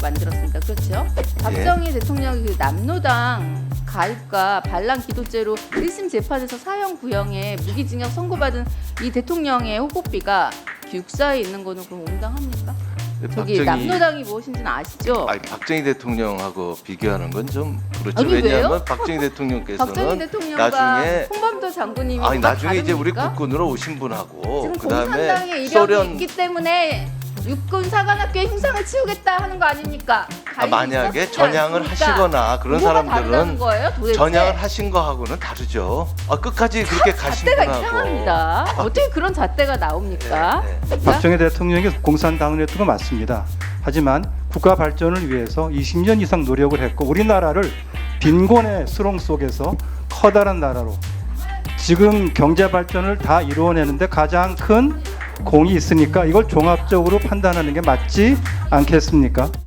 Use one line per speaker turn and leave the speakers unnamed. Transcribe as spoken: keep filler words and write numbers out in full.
만들었습니다. 그렇죠? 박정희 대통령이 그 남노당 가입과 반란 기도죄로 일 심 재판에서 사형 구형에 무기징역 선고받은 이 대통령의 호급비가 육사에 있는 거는 그럼 온당합니까? 저기
박정희-
남노당이 무엇인지는 아시죠?
아니, 박정희 대통령하고 비교하는 건 좀 그렇죠.
아니,
왜냐하면
왜요?
박정희 대통령께서는
박정희 대통령과
나중에
홍범도 장군님이
아니
뭐가
나중에 이제 우리
다릅니까?
국군으로 오신 분하고
지금
그다음에
공산당의 이력이
소련
있기 때문에 육군 사관학교에 흉상을 치우겠다 하는 거 아닙니까?
아,
가입이
만약에
있었지
전향을
않습니까?
하시거나 그런
뭐가 다르다는
사람들은
거예요, 도대체?
전향을 하신 거하고는 다르죠. 아, 끝까지 그렇게 가신
잣대가
분하고
이상합니다. 어떻게 그런 잣대가 나옵니까?
네, 네.
박정희 대통령이 공산당을 했던 건 맞습니다. 하지만 국가 발전을 위해서 이십 년 이상 노력을 했고 우리나라를 빈곤의 수렁 속에서 커다란 나라로 지금 경제 발전을 다 이루어내는데 가장 큰 공이 있으니까 이걸 종합적으로 판단하는 게 맞지 않겠습니까?